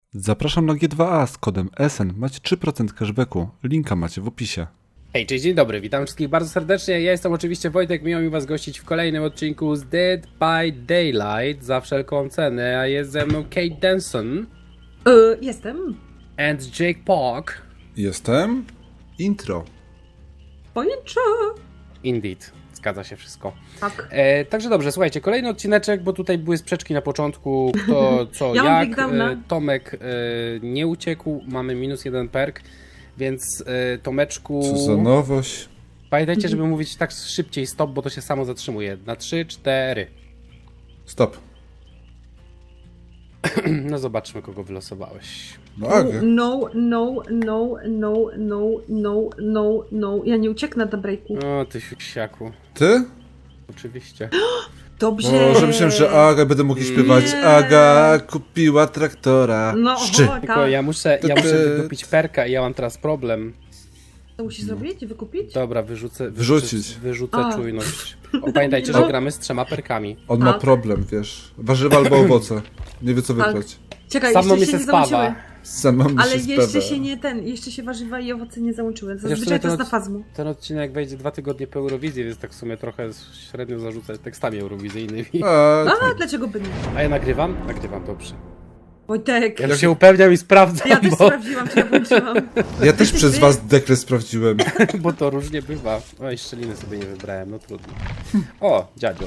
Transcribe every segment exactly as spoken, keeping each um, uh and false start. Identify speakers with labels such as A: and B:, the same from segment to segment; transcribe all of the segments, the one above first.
A: Zapraszam na G dwa A z kodem S N. Macie trzy procent cashbacku. Linka macie w opisie.
B: Hej, cześć, dzień dobry, witam wszystkich bardzo serdecznie. Ja jestem oczywiście Wojtek, miło mi was gościć w kolejnym odcinku z Dead by Daylight za wszelką cenę, a jest ze mną Kate Denson
C: Yy, jestem.
B: and Jake Park.
A: Jestem. Intro.
C: Pojęcza.
B: Indeed, zgadza się wszystko.
C: Tak.
B: E, także dobrze, słuchajcie, kolejny odcineczek, bo tutaj były sprzeczki na początku, kto co
C: Ja mam
B: jak.
C: breakdowna.
B: E, Tomek e, nie uciekł, mamy minus jeden perk, więc e, Tomeczku...
A: Co za nowość.
B: Pamiętajcie, żeby mówić tak szybciej stop, bo to się samo zatrzymuje. Na trzy, cztery.
A: Stop.
B: No zobaczmy, kogo wylosowałeś.
A: No Agę.
C: No, no, no, no, no, no, no, no. Ja nie ucieknę na breaku.
B: O, ty siusiaku.
A: Ty?
B: Oczywiście.
C: Dobrze.
A: Może myślałem, że Aga będę mógł śpiewać.
C: Nie.
A: Aga kupiła traktora.
C: No,
A: Szczy.
C: oho,
B: Tylko
C: tak.
B: ja muszę, ja
A: Ty-
B: muszę wykupić perka i ja mam teraz problem.
C: To musisz zrobić? Wykupić?
B: Dobra, wyrzucę,
A: Wyrzucić.
B: wyrzucę, wyrzucę
C: A.
B: czujność. O, pamiętajcie,
C: No.
B: że gramy z trzema perkami.
A: On ma
C: Tak.
A: problem, wiesz. Warzywa albo owoce. Nie wie co
C: Tak.
A: wybrać.
C: Czekaj,
B: Sam
C: jeszcze
B: mi
C: się
B: se
C: nie
B: spawa.
C: załączyły.
A: Sama mi
C: Ale
A: się
C: jeszcze
A: spewa.
C: się nie ten, jeszcze się warzywa i owoce nie załączyły.
B: Chociaż w
C: Zazwyczaj
B: sumie
C: to jest na
B: od-
C: fazmu.
B: Ten odcinek wejdzie dwa tygodnie po Eurowizji, więc tak w sumie trochę średnio zarzucać tekstami eurowizyjnymi.
A: A,
C: A,
A: tak.
C: dlaczego by nie?
B: A ja nagrywam? Nagrywam, dobrze.
C: Wojtek.
B: Ja już się upewniam i sprawdzam,
C: Ja też
B: bo,
C: sprawdziłam, czy ja włączyłam.
A: Ja też
C: Ty-
A: przez
C: ty-
A: was dekret sprawdziłem.
B: bo to różnie bywa. Oj, szczeliny sobie nie wybrałem, no trudno. O, dziadzio.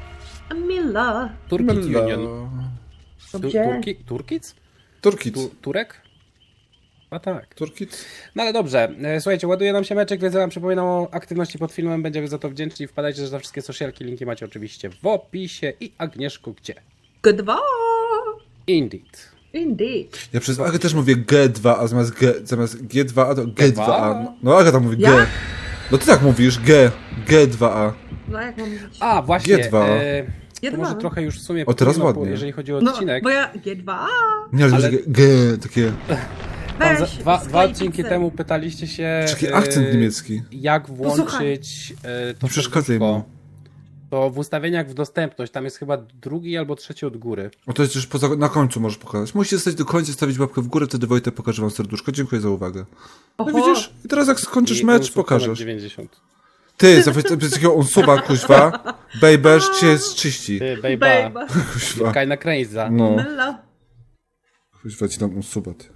C: Mila.
B: Turkit
A: Mela.
B: Union. Tu,
C: Dobrze.
B: turki, Turkic?
A: Turkit.
B: Tu, Turek? A tak.
A: Turkit.
B: No ale dobrze, e, słuchajcie, ładuje nam się meczek, więc ja wam przypominam o aktywności pod filmem, będziemy za to wdzięczni. Wpadajcie też na wszystkie socialki, linki macie oczywiście w opisie. I Agnieszku gdzie?
C: G dwa.
B: Indeed.
C: Indeed.
A: Ja przez Agę też mówię G dwa A zamiast G, zamiast G dwa A to G dwa A.
B: G dwa A?
A: No Aga tam mówi G.
C: Jak?
A: No ty tak mówisz, G. G dwa A.
C: No jak mam mówić?
B: A, właśnie.
A: G dwa.
B: E,
C: G
B: to
C: dwa.
B: może trochę już w sumie
A: O, teraz
B: powinno,
A: ładnie.
B: jeżeli chodzi o
C: No,
B: odcinek.
C: bo ja G dwa.
A: Nie, ale,
B: Ale-
A: ale... G, takie...
B: Tam za,
C: Weź,
B: dwa,
C: sklej
B: dwa odcinki
C: pizzę.
B: temu pytaliście się,
A: Taki
B: e,
A: akcent niemiecki.
B: jak włączyć e, to
A: Nie przeszkadzaj
B: serduszko.
A: mu.
B: To w ustawieniach w dostępność, tam jest chyba drugi albo trzeci od góry.
A: O, to jest już poza, na końcu możesz pokazać. Musicie stać do końca, stawić łapkę w górę, wtedy Wojtek pokaże wam serduszko. Dziękuję za uwagę. No
C: Oho.
A: widzisz? I teraz jak skończysz
B: I
A: mecz,
B: unsub ponad
A: pokażesz.
B: dziewięćdziesiąt.
A: Ty, za takiego unsuba, kuźwa. Bejbesz cię jest czyści.
B: Ty, bejba.
C: Bejba.
A: Kuźwa.
B: Kajna kręjza.
A: No,
C: Mela.
A: kuźwa ci tam unsuba, ty.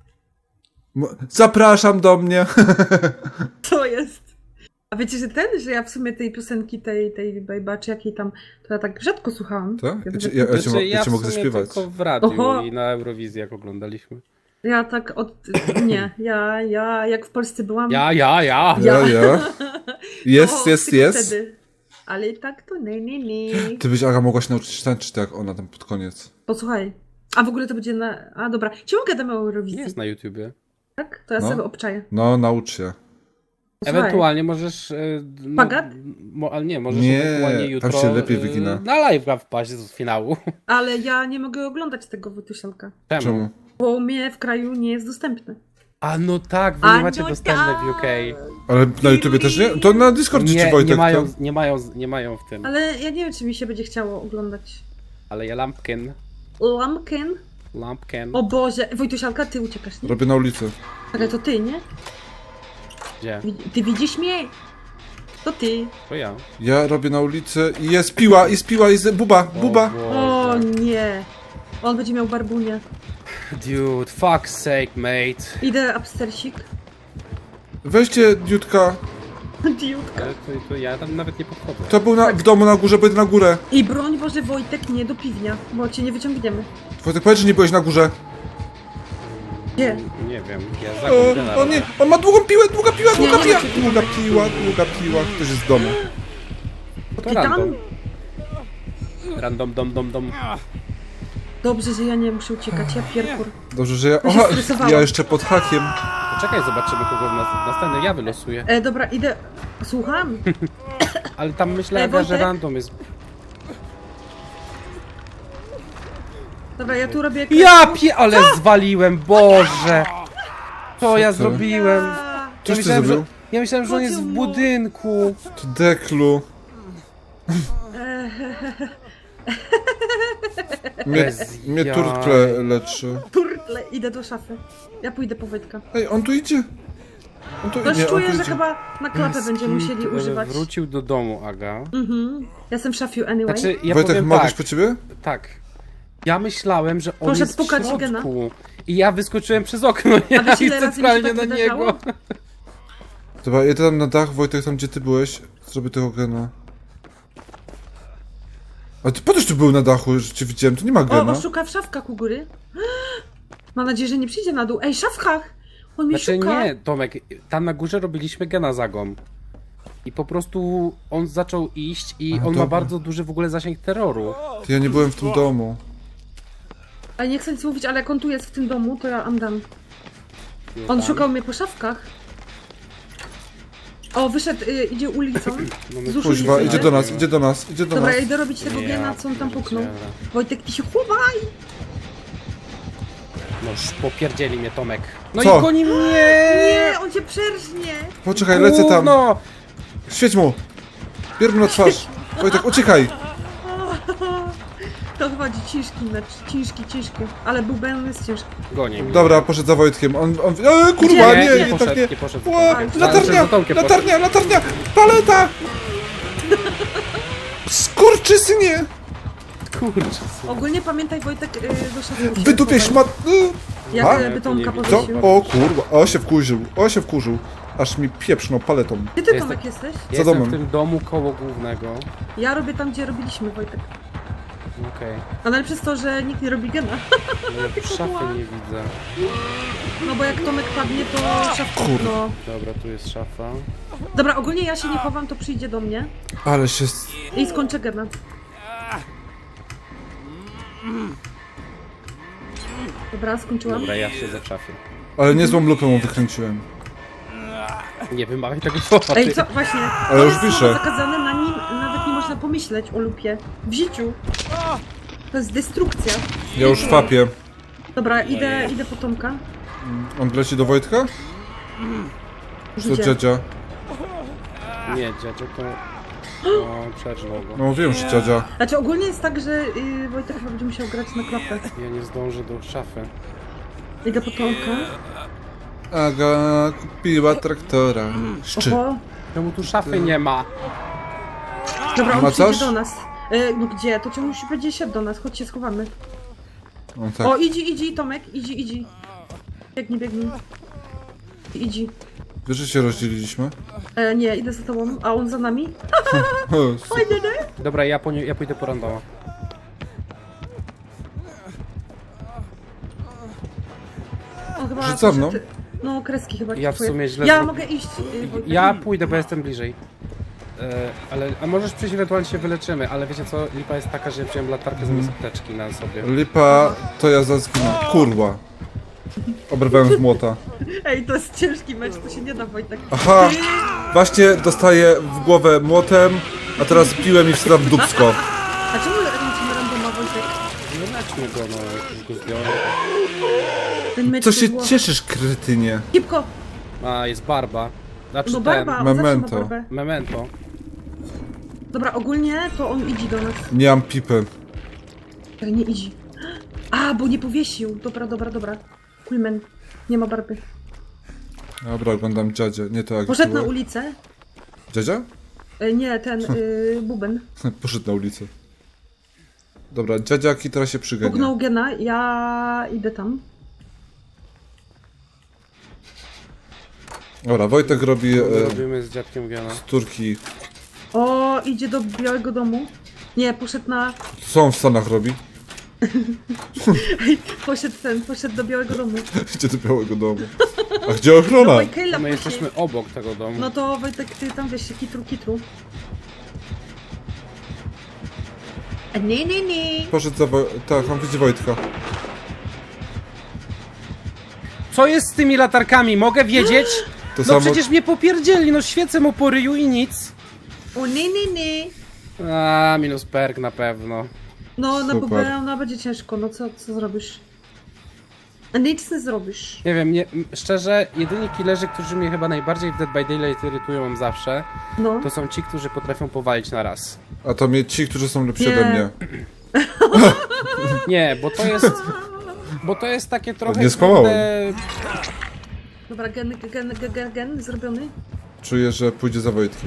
A: Mo- Zapraszam do mnie.
C: Co jest? A wiecie, że ten, że ja w sumie tej piosenki, tej, tej Bejba, czy jakiej tam, to ja tak rzadko słuchałam.
A: Tak?
C: Ja,
A: Ja cię,
C: że-
A: ja, ja cię, mo-
B: Znaczy,
A: ja cię
B: w
A: mogę
B: sumie
A: zaśpiewać.
B: tylko w radiu
C: Oho.
B: i na Eurowizji, jak oglądaliśmy.
C: ja tak od... Nie, ja, ja jak w Polsce byłam...
B: Ja, ja, ja!
A: Ja, ja. Jest,
C: to
A: jest,
C: tylko
A: jest.
C: Wtedy. Ale i tak to nie, nie, nie.
A: Ty byś, Aga, mogła się nauczyć tańczyć tak jak ona tam pod koniec.
C: Posłuchaj. A w ogóle to będzie na... A dobra, czemu gadamy o Eurowizji?
B: Nie jest na YouTubie.
C: Tak? To ja
A: No.
C: sobie obczaję.
A: No, naucz się.
C: Posłuchaj.
B: Ewentualnie możesz... e, No,
C: Pagat?
B: mo, ale nie, możesz
A: Nie,
B: ewentualnie
A: tam
B: jutro
A: się lepiej
B: e,
A: wygina.
B: na live'a wpaść z finału.
C: Ale ja nie mogę oglądać tego Wojtusialka.
B: Czemu?
A: Czemu?
C: Bo u mnie w kraju nie jest dostępne.
B: A no tak, wy
C: A
B: nie macie
C: no
B: dostępne w U K.
A: Ale na YouTubie też nie? To na Discordzie czy
B: Nie,
A: Wojtek?
B: nie, mają,
A: to?
B: nie, mają, nie mają w tym.
C: Ale ja nie wiem, czy mi się będzie chciało oglądać.
B: Ale ja lampkin.
C: Lampkin?
B: Lampkin.
C: O Boże, Wojtusialka, ty uciekasz, nie?
A: Robię na ulicy.
C: Ale to ty, nie?
B: Gdzie?
C: Wi- Ty widzisz mnie? To ty.
B: To ja.
A: Ja robię na ulicy i jest piła, jest piła, jest buba, buba.
B: O,
C: O
B: Boże.
C: nie. On będzie miał barbunię.
B: Dude, fuck's sake, mate.
C: Idę upstersik.
A: Weźcie Diutka.
C: Diutka.
B: Ale to, to ja tam nawet nie podchodzę.
A: To był na, w domu na górze, pójdę na górę.
C: I broń Boże, Wojtek, nie do piwnia, bo cię nie wyciągniemy.
A: Wojtek, powiedz, że nie byłeś na górze.
C: Gdzie?
B: Nie wiem, ja zagubię na
A: O, o nie, on ma długą piłę, długa piła,
C: Nie,
A: długa
C: nie
A: piła.
C: ma się
A: Długa piła, długa piła. Ktoś jest w domu.
B: To
C: Ty tam?
B: random. Random, dom, dom, dom.
C: Dobrze, że ja nie muszę uciekać, ja pierkur.
A: Dobrze, że ja...
C: Ja się
A: Aha,
C: stresowałam.
A: ja jeszcze pod hakiem.
B: Poczekaj, zobaczymy kogo w nas, następny ja wylosuję.
C: E, dobra, idę. Słucham?
B: Ale tam myślę,
C: Ej,
B: Aga, że
C: Wojtek?
B: random jest.
C: Dobra, ja tu robię...
B: Ja pie... ale zwaliłem, Boże! Co ja
A: ty?
B: zrobiłem?
C: A,
A: Coś ty
B: myślałem,
A: zrobił?
B: że, ja myślałem, że on jest w budynku.
A: To deklu. Mnie,
B: Bez
A: mnie
B: jaj.
A: turtle leczy.
C: Turtle, idę do szafy. Ja pójdę po Wojtka.
A: Ej, on tu idzie. On tu,
C: Coś
A: nie, on
C: czuję,
A: tu
C: że
A: idzie.
C: chyba na klapę będziemy musieli
B: E,
C: używać.
B: Wrócił do domu, Aga.
C: Mhm. Ja jestem w szafiu anyway.
B: Znaczy, ja
A: Wojtek,
B: powiem
A: mogę
B: tak,
A: po ciebie?
B: tak. Ja myślałem, że on
C: Proszę
B: jest w
C: spukać
B: środku.
C: Gena.
B: I ja wyskoczyłem przez okno, ja
C: wiesz, ile
B: i
C: razy mi się
B: centralnie
C: tak
B: na
C: wydarzało?
B: niego.
A: Dobra, jedę tam na dach, Wojtek, tam gdzie ty byłeś. Zrobię tego gena. A ty potem tu był na dachu, że cię widziałem, tu nie ma
C: O,
A: gena.
C: on szuka w szafkach u góry. Mam nadzieję, że nie przyjdzie na dół. Ej, w szafkach! On mnie
B: Znaczy
C: szuka.
B: nie, Tomek, tam na górze robiliśmy gena zagom. I po prostu on zaczął iść i
A: A,
B: on ma
A: dobra.
B: bardzo duży w ogóle zasięg terroru.
A: Ty, ja nie byłem w tym domu.
C: Ale nie chcę nic mówić, ale jak on tu jest w tym domu, to ja am dam.
B: Nie
C: On
B: tam.
C: szukał mnie po szafkach. O, wyszedł, y, idzie ulicą.
B: No my
C: Z uszu
A: Kuźwa,
C: nie
A: idzie do nas, idzie do nas, idzie do
C: Dobra,
A: nas.
C: ja idę robić tego gena, co on tam puknął.
B: pierdzielę.
C: Wojtek, ty się chowaj!
B: No już popierdzieli mnie Tomek. No
A: Co?
B: i goni mnie!
C: Nie, on cię przerżnie!
A: Poczekaj, lecę tam.
B: Gówno!
A: Świeć mu! Bierz mu na twarz. Wojtek, uciekaj!
C: To chyba ciężki mecz, ciężki, ciężki. Ale był Ben jest ciężki.
B: Goni mnie.
A: Dobra, poszedł za Wojtkiem. On, on... E, kurwa,
C: Nie,
A: nie,
C: nie
A: nie,
B: poszedł,
A: tak nie.
B: nie poszedł.
A: Ła,
B: Ale
A: latarnia,
B: za Tomkiem
A: latarnia, latarnia! Paleta! Skurczysynie!
B: Kurczę.
C: Ogólnie pamiętaj Wojtek y, do szafy.
A: Wydupię szmat... y.
C: Jak
A: A?
C: y, bytomka
B: Nie widzę.
A: Co?
C: powiesił.
A: O kurwa, o się wkurzył, o się wkurzył. Aż mi pieprznął paletą.
C: Gdzie ty
B: Jest
C: Tomek
B: tak-
C: jesteś?
B: Ja
A: Za
B: jestem
A: domem.
B: w tym domu koło głównego.
C: Ja robię tam, gdzie robiliśmy Wojtek.
B: Okej.
C: A nawet przez to, że nikt nie robi gena.
B: No ja w szafy nie widzę.
C: No bo jak Tomek padnie, to szafka.
A: Kurde.
C: No.
B: Dobra, tu jest szafa.
C: Dobra, ogólnie ja się nie chowam, to przyjdzie do mnie
A: Ale się...
C: i skończę gena. Dobra, skończyłam.
B: Dobra, ja siedzę w szafie.
A: Ale niezłą lupę mu wykręciłem.
B: Nie wymawiaj tego słowa,
C: Ej,
B: ty.
C: co? Właśnie.
A: Ale
C: to
A: już
C: jest
A: piszę.
C: słowo zakazane, na nim nawet nie można pomyśleć o lupie. W życiu. To jest destrukcja.
A: Ja już fapię.
C: Dobra, idę, idę po Tomka.
A: On leci do Wojtka? Co
C: Gdzie?
A: dziadzia?
B: Nie, dziadzio to... No, przerżnął go.
A: No wiem, że dziadzia.
C: Znaczy ogólnie jest tak, że yy, Wojtek chyba będzie musiał grać na klapę.
B: Ja nie zdążę do szafy.
C: Idę po Tomka.
A: Aga kupiła traktora. Szczy.
C: Oho.
B: Czemu tu szafy nie ma?
C: Dobra, on
A: Ma
C: przyjdzie
A: coś?
C: do nas. Yy, no gdzie? To cię musi będzie siadł do nas. Chodź się schowamy.
A: On tak.
C: O, idzie, idzie Tomek, idzie, idzie. Biegnij, biegnij. Idzie.
A: Wiesz, że się rozdzieliliśmy?
C: E, nie, idę za tobą, a on za nami.
A: O, super.
C: Fajnie, nie?
B: Dobra, ja, po nie, ja pójdę po randoma.
C: On chyba
A: Że za mną?
C: poszedł- No, kreski chyba.
B: Ja w
C: kupuje.
B: sumie źle
C: Ja
B: zro-
C: mogę iść. Yy, Wojtek.
B: Ja pójdę, bo jestem bliżej. E, ale, a możesz przyjść, ewentualnie się wyleczymy, ale wiecie co, lipa jest taka, że wziąłem latarkę zamiast apteczki na sobie.
A: Lipa, to ja zazginę. Kurwa. Obrywałem z młota.
C: Ej, to jest ciężki mecz, to się nie da, Wojtek.
A: Aha! Właśnie dostaję w głowę młotem, a teraz piłem i wstrzam w dupsko.
C: A czemu ręczymy randoma, Wojtek?
B: No leczmy go, no, już go zdjąłem.
C: Ten mecz
A: Co
C: to
A: się
C: było...
A: cieszysz, kretynie?
C: Szybko!
B: A, jest barba. Znaczy
C: No
B: ten,
C: barba, on zawsze ma
A: Memento.
C: barbę.
B: memento.
C: Dobra, ogólnie to on idzie do nas.
A: Nie mam pipy.
C: Ale nie idzie. A, bo nie powiesił. Dobra, dobra, dobra. Kulmen. Nie ma barby.
A: Dobra, oglądam dziadzia. Nie to jak
C: Poszedł na
A: było.
C: ulicę.
A: Dziadzia?
C: E, nie, ten, y, buben.
A: Poszedł na ulicę. Dobra, dziadziaki teraz się przygania.
C: Pugnął gena, ja idę tam.
A: Dobra, Wojtek robi
B: Co
A: e,
B: robimy z dziadkiem Gena?
A: turki.
C: O, idzie do Białego Domu. Nie, poszedł na...
A: Co on w Stanach robi?
C: Poszedł ten, poszedł do Białego Domu.
A: Idzie do Białego Domu. A gdzie ochrona?
C: No, Kejla
B: My
C: poszedł.
B: jesteśmy obok tego domu.
C: No to Wojtek, ty tam wiesz się kitru, kitru. A nie, nie, nie.
A: Poszedł za Woj... Tak, on widzi Wojtka.
B: Co jest z tymi latarkami? Mogę wiedzieć?
A: To
B: No
A: samo...
B: przecież mnie popierdzieli, no świecę mu po ryju i nic.
C: O nie, nie, nie.
B: A, minus perk na pewno.
C: No, na
A: Super.
C: bubę ona będzie ciężko, no co, co zrobisz? A nic nie zrobisz.
B: Nie wiem, nie, m, szczerze, jedyni killerzy, którzy mnie chyba najbardziej w Dead by Daylight irytują zawsze,
C: No.
B: to są ci, którzy potrafią powalić na raz.
A: A to mnie ci, którzy są lepsi
C: Nie.
A: ode mnie.
B: Nie, bo to jest... Bo to jest takie trochę...
A: Nie skłamałem.
B: kurde,
C: Dobra, gen, gen, gen, gen, gen zrobiony.
A: Czuję, że pójdzie za Wojtkiem.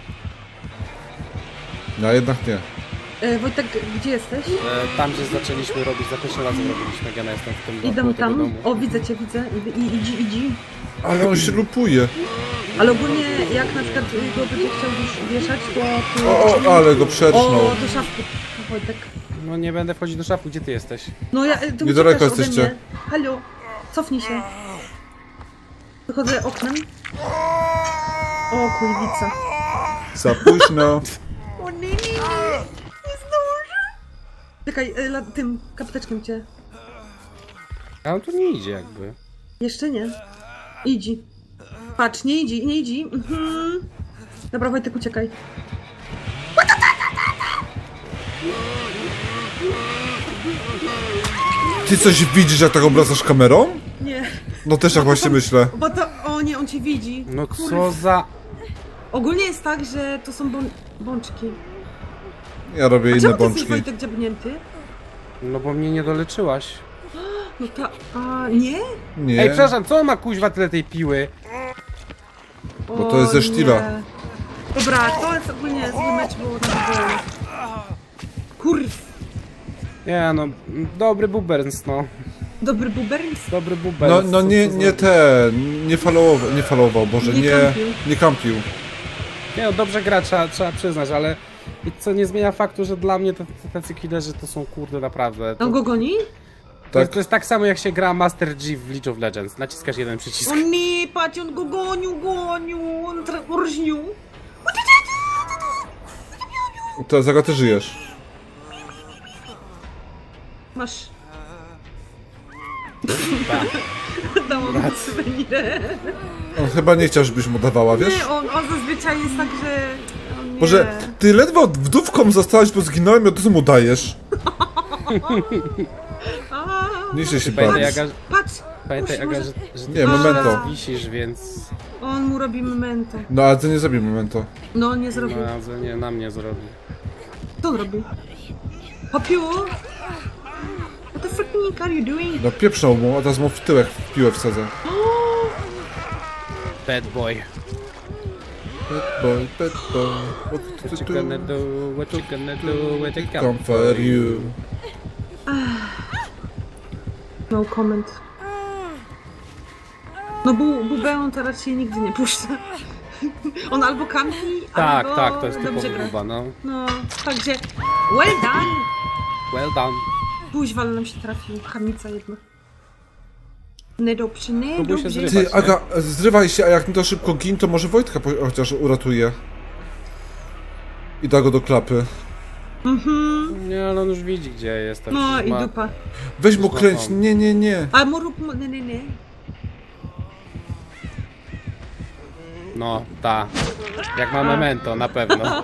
A: No, a jednak nie.
C: E, Wojtek, gdzie jesteś?
B: e, Tam, gdzie zaczęliśmy robić, za pierwszym razem robiliśmy gena, jestem w tym bloku
C: Idę
B: tego
C: tam.
B: domu.
C: O, widzę cię, widzę. I, i, idzi, idzi.
A: Ale on się lupuje.
C: Ale ogólnie, jak na przykład go będzie chciał wiesz, wieszać, to... to...
A: O, o, ale go przetrznął.
C: O, do szafki. Wojtek.
B: No nie będę wchodzić do szafu, gdzie ty jesteś?
C: No ja... Ty
A: Niedaleko
C: uciekasz ode
A: jesteście.
C: mnie. Halo, cofnij się. Wychodzę oknem. O, kurwica.
A: Za późno.
C: O nie, nie, nie. Nie zdążę. Czekaj, y, la, tym kapteczkiem cię.
B: A on tu nie idzie jakby.
C: Jeszcze nie. Idzi. Patrz, nie idzi, nie idzi. Mhm. Dobra, Wojtek, uciekaj.
A: Ty coś widzisz, jak tak obracasz kamerą?
C: Nie.
A: No też tak właśnie myślę.
C: Bo to... O nie, on cię widzi.
B: No
C: Kurwa.
B: co za...
C: Ogólnie jest tak, że to są bą bączki.
A: Ja robię
C: A
A: inne
C: czemu ty jesteś,
A: bączki.
C: Wojtek, dziabnięty?
B: No bo mnie nie doleczyłaś.
C: No to... A, nie?
A: Nie.
B: Ej, przepraszam, co on ma kuźwa tyle tej piły?
C: O,
A: Bo to jest ze sztila.
C: nie. Dobra, to jest ogólnie zły mecz, bo na było. Kurw.
B: Nie no, dobry buberns, no.
C: Dobry buberns.
B: Dobry buberns.
A: No, no
B: co-
A: nie,
B: co za-
A: nie ten, nie followował, nie followował, Boże,
C: Nie
A: nie,
C: kampił.
A: nie kampił.
B: Nie no, dobrze gra, trzeba, trzeba przyznać, ale... I co nie zmienia faktu, że dla mnie to, to tacy killerzy to są kurde naprawdę. To,
C: On go goni?
B: to, jest,
A: Tak,
B: to jest tak samo jak się gra Master G w League of Legends. Naciskasz jeden przycisk.
C: O nie, patrz, on go gonił, gonił, on rżnił.
A: to Zaga, ty żyjesz.
C: Masz.
B: Tak.
C: Dałam mu suwenirę.
A: On chyba nie chciał, żebyś mu dawała, wiesz?
C: Nie, on, on zazwyczaj jest tak, że... O nie.
A: Boże, ty ledwo wdówką zostałaś, bo zginąłem i od razu mu dajesz.
C: A,
A: Nie się się
B: Pamiętaj,
A: bawić.
B: Aga,
C: patrz,
B: pamiętaj,
C: Może-
B: Aga, że, że ty
A: Nie,
B: jeszcze
A: memento.
B: raz wisisz, więc...
C: on mu robi memento.
A: No ale ty nie zrobił momentu.
C: No, nie zrobił.
B: No, że nie, na mnie zrobi.
C: Co on robi? Popiu? What the freaking are you doing?
A: No pieprznął mu, a teraz mu w tyłek w piłę wsadzę.
B: Bad boy.
A: Bad boy, bad boy, what
B: What
A: to
B: you
A: do?
B: gonna do, what you gonna do, when they come
A: Come for you.
C: No comment. No bu, Bubeon to raczej nigdy nie puszcza. On albo kampi,
B: Tak,
C: albo
B: tak, to jest
C: dobrze
B: typowy
C: gra.
B: buba, no.
C: No, także well done!
B: Well done.
C: Buźwal nam się trafił, chamica jedna. Niedobrze,
B: Próbuj się
C: niedobrze.
B: zrywać.
A: Ty, Aga, zrywaj się, a jak nie to szybko gin, to może Wojtka po- chociaż uratuje. I da go do klapy.
C: Mhm.
B: Nie, ale on już widzi, gdzie jestem.
C: No
B: Przecież
C: i
B: ma-
C: dupa.
A: Weź mu
B: Już
A: kręć,
B: mam.
A: nie, nie, nie.
C: A mu rób, mu- nie, nie, nie.
B: No, ta. Jak ma memento, na pewno.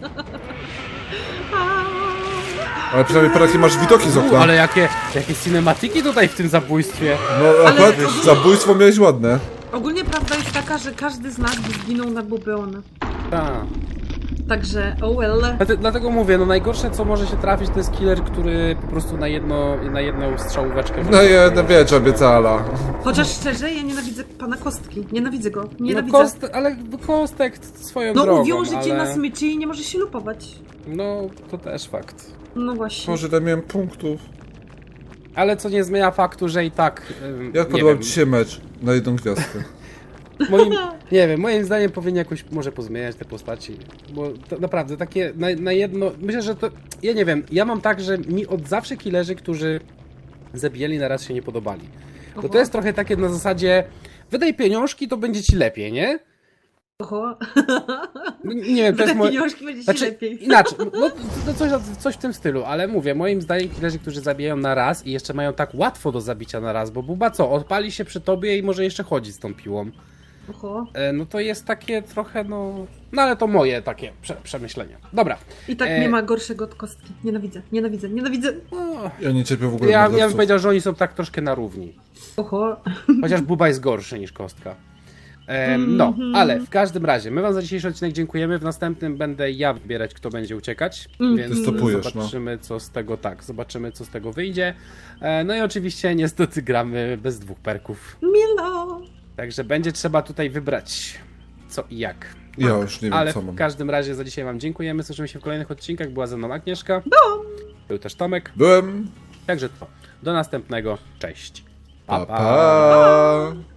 A: Ale przynajmniej parę jakie masz widoki z okna.
B: Ale jakie, jakie cinematiki tutaj w tym zabójstwie.
A: No akurat
C: Ale-
A: zabójstwo miałeś ładne.
C: Ogólnie prawda jest taka, że każdy z nas by zginął na Bubeona.
B: Ta.
C: Także, oh well.
B: Dlate- Dlatego mówię, no najgorsze co może się trafić to jest killer, który po prostu na jedno, na jedną strzałóweczkę...
A: No jedna wiecz obiecala.
C: Chociaż szczerze, ja nienawidzę pana Kostki. Nienawidzę go.
B: No
C: Nienawidzę.
B: kost, ale kostek swoją
C: No
B: drogą,
C: uwiąże cię
B: ale...
C: na smyczy i nie może się lupować.
B: No, to też fakt.
C: No właśnie.
A: Może tam miałem punktów.
B: Ale co nie zmienia faktu, że i tak... ym,
A: Jak
B: nie
A: podobał
B: wiem,
A: ci się mecz na jedną gwiazdkę?
B: moim, nie wiem, moim zdaniem powinien jakoś może pozmieniać te postaci, bo to naprawdę takie na, na jedno, myślę, że to, ja nie wiem, ja mam tak, że mi od zawsze killerzy, którzy zabijali na raz się nie podobali, bo to jest trochę takie na zasadzie, wydaj pieniążki, to będzie ci lepiej, nie?
C: Oho.
B: No, nie wiem, to
C: Te
B: jest moje...
C: pieniążki będzie ci
B: Znaczy,
C: lepiej.
B: inaczej, no to coś, coś w tym stylu, ale mówię, moim zdaniem killerzy, którzy zabijają na raz i jeszcze mają tak łatwo do zabicia na raz, bo buba co, odpali się przy tobie i może jeszcze chodzić z tą piłą.
C: Oho.
B: e, no to jest takie trochę, no... No ale to moje takie prze, przemyślenia. Dobra.
C: I tak
B: E,
C: nie ma gorszego od kostki. Nienawidzę, nienawidzę, nienawidzę.
B: No,
A: Ja nie cierpię w ogóle
B: ja, ja bym
A: morderców.
B: powiedział, że oni są tak troszkę na równi.
C: Oho.
B: Chociaż Buba jest gorszy niż kostka. Em, no, ale w każdym razie, my wam za dzisiejszy odcinek dziękujemy. W następnym będę ja wybierać, kto będzie uciekać.
C: Mhm.
B: Więc
A: Występujesz, no.
B: zobaczymy, co z tego tak. Zobaczymy, co z tego wyjdzie. E, no i oczywiście niestety gramy bez dwóch perków.
C: Milo.
B: Także będzie trzeba tutaj wybrać co i jak.
A: Ja już nie wiem,
B: Ale
A: co mam.
B: w każdym razie za dzisiaj wam dziękujemy. Słyszymy się w kolejnych odcinkach. Była ze mną Agnieszka. Był też Tomek.
A: Byłem.
B: Także to. Do następnego. Cześć.
A: Pa, pa.